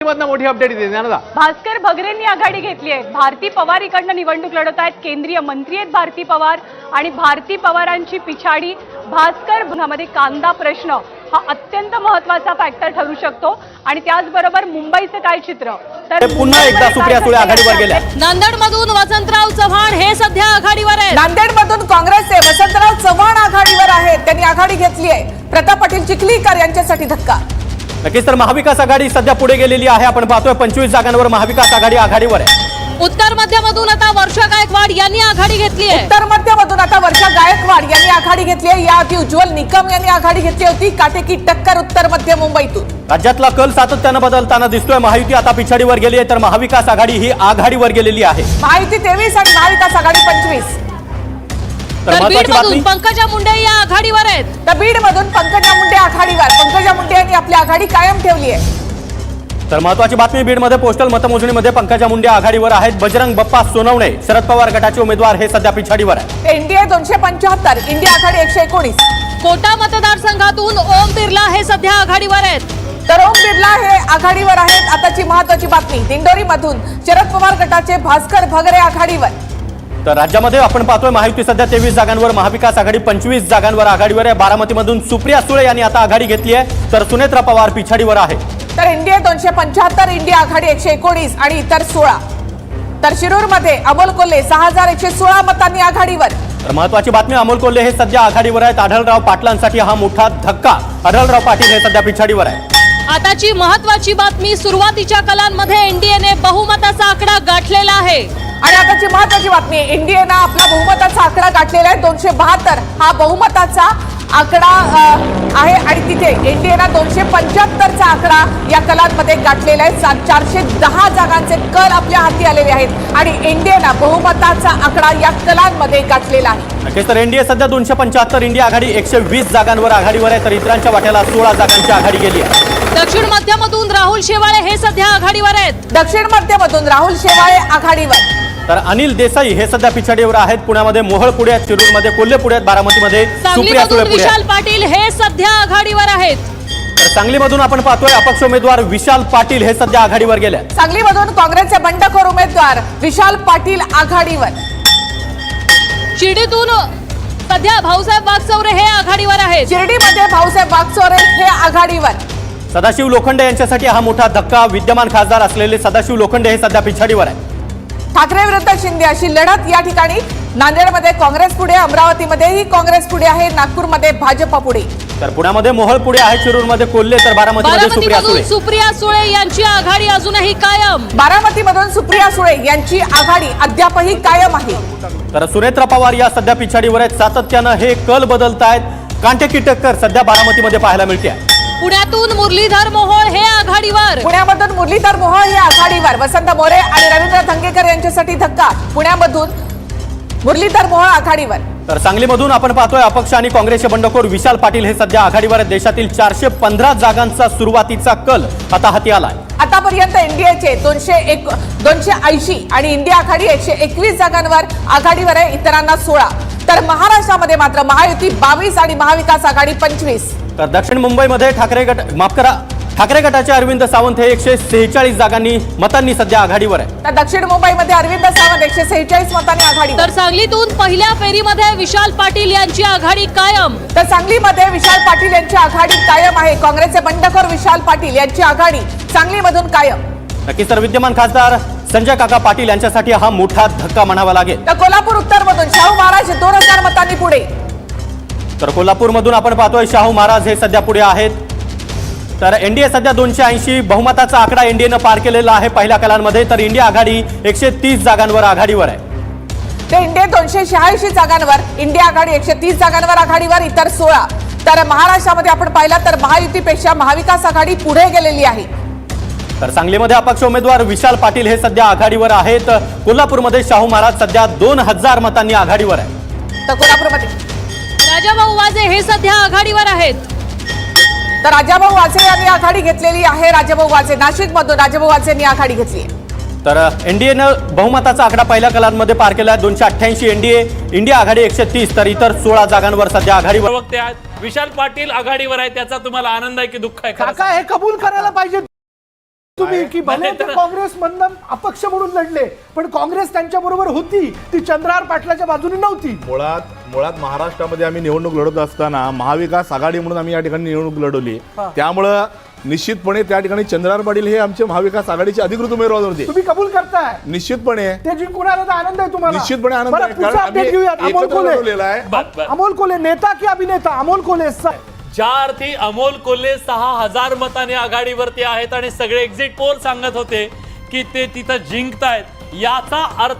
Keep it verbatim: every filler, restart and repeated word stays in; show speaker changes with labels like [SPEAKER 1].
[SPEAKER 1] मोठी अपडेट येते ज्ञानदा.
[SPEAKER 2] भास्कर भगरेंनी आघाडी घेतली आहे. भारती पवार इकडनं निवडणूक लढवत आहेत. केंद्रीय मंत्री आहेत भारती पवार आणि भारती पवारांची पिछाडी भास्कर मध्ये कांदा प्रश्न हा अत्यंत महत्त्वाचा फॅक्टर ठरू शकतो. आणि त्याचबरोबर मुंबईचं काय चित्र
[SPEAKER 3] तर पुन्हा एकदा सुप्रिया सुळे आघाडीवर गेल्या.
[SPEAKER 4] नांदेडमधून वसंतराव चव्हाण हे सध्या आघाडीवर आहेत.
[SPEAKER 5] नांदेडमधून काँग्रेसचे वसंतराव चव्हाण आघाडीवर आहेत. त्यांनी आघाडी घेतली आहे. प्रताप पाटील चिखलीकर यांच्यासाठी धक्का.
[SPEAKER 3] नक्कीच तर महाविकास आघाडी सध्या पुढे गेलेली आहे. आपण पाहतोय पंचवीस जागांवर महाविकास आघाडी आघाडीवर आहे.
[SPEAKER 4] उत्तर मध्यमधून आता वर्षा गायकवाड यांनी आघाडी घेतली आहे.
[SPEAKER 5] उत्तर मध्यमधून आता वर्षा गायकवाड यांनी आघाडी घेतली आहे. याआधी उज्ज्वल निकम यांनी आघाडी घेतली होती. काटेकी टक्कर उत्तर मध्य मुंबईतून.
[SPEAKER 3] राज्यातला कल सातत्यानं बदलताना दिसतोय. महायुती आता पिछाडीवर गेली आहे तर महाविकास आघाडी ही आघाडीवर गेलेली आहे.
[SPEAKER 5] महायुती तेवीस आणि महाविकास आघाडी पंचवीस.
[SPEAKER 3] तर महत्त्वाची बातमी
[SPEAKER 4] पंकजा मुंडे या आघाडीवर आहेत.
[SPEAKER 5] तर बीड मधून पंकजा मुंडे आघाडीवर. पंकजा मुंडे यांनी आपली आघाडी कायम ठेवली आहे.
[SPEAKER 3] तर महत्त्वाची बातमी बीडमध्ये पोस्टल मतमोजणीमध्ये पंकजा मुंडे आघाडीवर आहेत. बजरंग बप्पा सोनवणे शरद पवार गटाचे उमेदवार हे सध्या पिछाडीवर आहे.
[SPEAKER 5] एनडीए दोनशे पंच्याहत्तर इंडिया आघाडी एकशे एकोणीस.
[SPEAKER 4] कोटा मतदारसंघातून ओम बिर्ला हे सध्या आघाडीवर आहेत.
[SPEAKER 5] तर ओम बिर्ला हे आघाडीवर आहेत. आताची महत्त्वाची बातमी दिंडोरी मधून शरद पवार गटाचे भास्कर भगरे आघाडीवर.
[SPEAKER 3] तर राज्यामध्ये आपण पाहतोय महायुती सध्या तेवीस जागांवर, महाविकास आघाडी पंचवीस जागांवर आघाडीवर आहे. बारामतीमधून सुप्रिया सुळे यांनी आता आघाडी घेतली आहे तर सुनेत्रा पवार पिछाडीवर आहे.
[SPEAKER 5] तर एनडीए दोनशे पंच्याहत्तर इंडिया आघाडी एकशे एकोणीस आणि इतर सोळा. तर शिरूर मध्ये अमोल कोल्हे सहा हजार एकशे सोळा मतांनी आघाडीवर.
[SPEAKER 3] तर महत्त्वाची बातमी अमोल कोल्हे हे सध्या आघाडीवर आहेत. आढळराव पाटलांसाठी हा मोठा धक्का. आढळराव पाटील हे सध्या पिछाडीवर आहे.
[SPEAKER 4] आताची महत्त्वाची बातमी सुरुवातीच्या कलांमध्ये एनडीएने बहुमताचा आकडा गाठलेला आहे.
[SPEAKER 5] आणि आताची महत्त्वाची बातमी एनडीएनं आपला बहुमताचा आकडा गाठलेला आहे. दोनशे बहात्तर हा बहुमताचा आकडा आहे आणि तिथे एनडीएनं दोनशे पंच्याहत्तरचा आकडा या कलांमध्ये गाठलेला आहे. चारशे दहा जागांचे कल आपल्या हाती आलेले आहेत आणि एनडीएनं बहुमताचा आकडा या कलांमध्ये गाठलेला आहे.
[SPEAKER 3] नक्कीच तर एनडीए सध्या दोनशे पंच्याहत्तर इंडिया आघाडी एकशे वीस जागांवर आघाडीवर आहे तर इतरांच्या वाट्याला सोळा जागांची आघाडी गेली आहे.
[SPEAKER 4] दक्षिण मध्यमधून राहुल शेवाळे हे सध्या आघाडीवर आहेत.
[SPEAKER 5] दक्षिण मध्यमधून राहुल शेवाळे आघाडीवर.
[SPEAKER 3] तर अनिल देसाई हे सध्या पिछाडीवर आहेत. पुण्यामध्ये मोहोळ पुढे आहेत, शिरूरमध्ये कोल्हे पुढे आहेत, बारामतीमध्ये सुप्रिया सुळे पुढे
[SPEAKER 4] विशाल पाटील हे सध्या आघाडीवर आहेत.
[SPEAKER 3] तर सांगलीमधून आपण पाहतोय अपक्ष उमेदवार विशाल पाटील हे सध्या आघाडीवर गेले.
[SPEAKER 5] सांगलीमधून काँग्रेसचे बंडखोर उमेदवार विशाल पाटील आघाडीवर.
[SPEAKER 4] शिर्डीतून सध्या भाऊसाहेब वागचौरे हे आघाडीवर आहेत.
[SPEAKER 5] शिर्डीमध्ये भाऊसाहेब वागचौरे हे आघाडीवर.
[SPEAKER 3] सदाशिव लोखंडे यांच्यासाठी हा मोठा धक्का. विद्यमान खासदार असलेले सदाशिव लोखंडे हे सध्या पिछाडीवर आहे.
[SPEAKER 5] ठाकरे विरुद्ध शिंदे अशी लढत या ठिकाणी. नांदेडमध्ये काँग्रेस पुढे, अमरावतीमध्येही काँग्रेस पुढे आहे, नागपूरमध्ये भाजप पुढे.
[SPEAKER 3] तर पुण्यामध्ये मोहोळ पुढे आहे, शिरूरमध्ये कोल्हे तर बारामतीमध्ये सुप्रिया सुळे.
[SPEAKER 4] सुप्रिया सुळे यांची आघाडी अजूनही कायम.
[SPEAKER 5] बारामतीमधून सुप्रिया सुळे यांची आघाडी अद्यापही कायम आहे.
[SPEAKER 3] तर सुनेत्रा पवार या सध्या पिछाडीवर आहेत. सातत्यानं हे कल बदलत आहेत. कांटेकी टक्कर सध्या बारामतीमध्ये पाहायला मिळते.
[SPEAKER 4] पुण्यातून मुरलीधर मोहोळ हे आघाडीवर.
[SPEAKER 5] पुण्यामधून मुरलीधर मोहोळ हे आघाडीवर. वसंत मोरे आणि रवींद्र धंगेकर यांच्यासाठी धक्का. पुण्यामधून मुरलीधर मोहोळ आघाडीवर.
[SPEAKER 3] तर सांगलीमधून आपण पाहतोय अपक्ष आणि काँग्रेसचे बंडखोर विशाल पाटील हे सध्या आघाडीवर आहेत. देशातील चारशे पंधरा जागांचा सुरुवातीचा कल आता हाती आलाय.
[SPEAKER 5] आतापर्यंत एनडीएचे दोनशे एक दोनशे ऐंशी आणि इंडिया आघाडी एकशे एकवीस जागांवर आघाडीवर आहे, इतरांना सोळा. तर महाराष्ट्रामध्ये मात्र महायुती बावीस आणि महाविकास आघाडी पंचवीस.
[SPEAKER 3] तर दक्षिण मुंबईमध्ये ठाकरे गट माफ करा ठाकरे गटाचे अरविंद सावंत हे एकशे सेहेचाळीस जागांनी मतांनी सध्या आघाडीवर आहे.
[SPEAKER 5] तर दक्षिण मुंबईमध्ये अरविंद सावंत एकशे सेहेचाळीस मतांनी आघाडी.
[SPEAKER 4] तर सांगलीतून पहिल्या फेरीमध्ये विशाल पाटील यांची आघाडी कायम.
[SPEAKER 5] तर सांगलीमध्ये विशाल पाटील यांची आघाडी कायम आहे. काँग्रेसचे बंडखोर विशाल पाटील यांची आघाडी सांगलीमधून कायम.
[SPEAKER 3] नक्कीच तर विद्यमान खासदार संजय काका पाटील यांच्यासाठी हा मोठा धक्का म्हणावा लागेल.
[SPEAKER 5] तर कोल्हापूर उत्तर मधून शाहू महाराज दोन हजार मतांनी पुढे.
[SPEAKER 3] तर कोल्हापूरमधून आपण पाहतोय शाहू महाराज हे सध्या पुढे आहेत. तर एनडीए सध्या दोनशे ऐंशी बहुमताचा आकडा एनडीएनं पार केलेला आहे पहिल्या कलांमध्ये. तर इंडिया आघाडी एकशे तीस जागांवर आघाडीवर आहे.
[SPEAKER 5] ते इंडिया दोनशे शहाऐंशी जागांवर, इंडिया आघाडी एकशे तीस जागांवर आघाडीवर, इतर सोळा. तर महाराष्ट्रामध्ये आपण पाहिलं तर महायुतीपेक्षा महाविकास आघाडी पुढे गेलेली आहे.
[SPEAKER 3] तर सांगलीमध्ये अपक्ष उमेदवार विशाल पाटील हे सध्या आघाडीवर आहेत. कोल्हापूरमध्ये शाहू महाराज सध्या दोन हजार मतांनी आघाडीवर आहे.
[SPEAKER 5] तर कोल्हापूरमध्ये
[SPEAKER 4] राजाभाऊ वाजे हे सध्या आघाडीवर आहेत.
[SPEAKER 5] तर राजाभाऊ वाजे यांनी आघाडी घेतलेली आहे. राजाभाऊ वाजे नाशिक मधून राजाभाऊ वाजे यांनी आघाडी घेतली आहे.
[SPEAKER 3] तर एनडीएनं बहुमताचा आकडा पहिल्या कलांमध्ये पार केला. दोनशे अठ्ठ्याऐंशी एनडीए इंडिया आघाडी एकशे तीस तर इतर सोळा जागांवर सध्या आघाडीवर.
[SPEAKER 6] विशाल पाटील आघाडीवर आहे, त्याचा तुम्हाला आनंद आहे की दुःख आहे?
[SPEAKER 1] काका हे कबूल करायला पाहिजे. तुम्ही की भले ते
[SPEAKER 6] तर-
[SPEAKER 1] काँग्रेस मधनं अपक्ष म्हणून लढले, पण काँग्रेस त्यांच्या बरोबर होती, ती चंद्रहार पाटलाच्या बाजूने नव्हती.
[SPEAKER 7] मुळात मुळात महाराष्ट्रामध्ये आम्ही निवडणूक लढत असताना महाविकास आघाडी म्हणून आम्ही या ठिकाणी निवडणूक लढवली. त्यामुळं निश्चितपणे त्या ठिकाणी चंद्रहार पाटील हे आमचे महाविकास आघाडीचे अधिकृत उमेदवार होते.
[SPEAKER 1] तुम्ही कबूल करताय
[SPEAKER 7] निश्चितपणे
[SPEAKER 1] ते जिंकून आलं तर आनंद आहे तुम्हाला.
[SPEAKER 7] निश्चितपणे आनंद
[SPEAKER 1] बरं,
[SPEAKER 7] आहे.
[SPEAKER 1] पुढचा
[SPEAKER 7] कारण
[SPEAKER 1] अपडेट
[SPEAKER 7] आम्ही
[SPEAKER 1] घेऊयात. अमोल
[SPEAKER 7] एकत्र
[SPEAKER 1] कोल्हे
[SPEAKER 7] लढवलेला आहे.
[SPEAKER 6] बर, बर.
[SPEAKER 1] अमोल कोल्हे नेता की अभिनेता? अमोल कोल्हे स-
[SPEAKER 6] ज्या अर्थी अमोल कोल्हे सहा हजार मताने आघाडीवरती आहेत आणि सगळे एक्झिट पोल सांगत होते की ते तिथं जिंकतायत, याचा अर्थ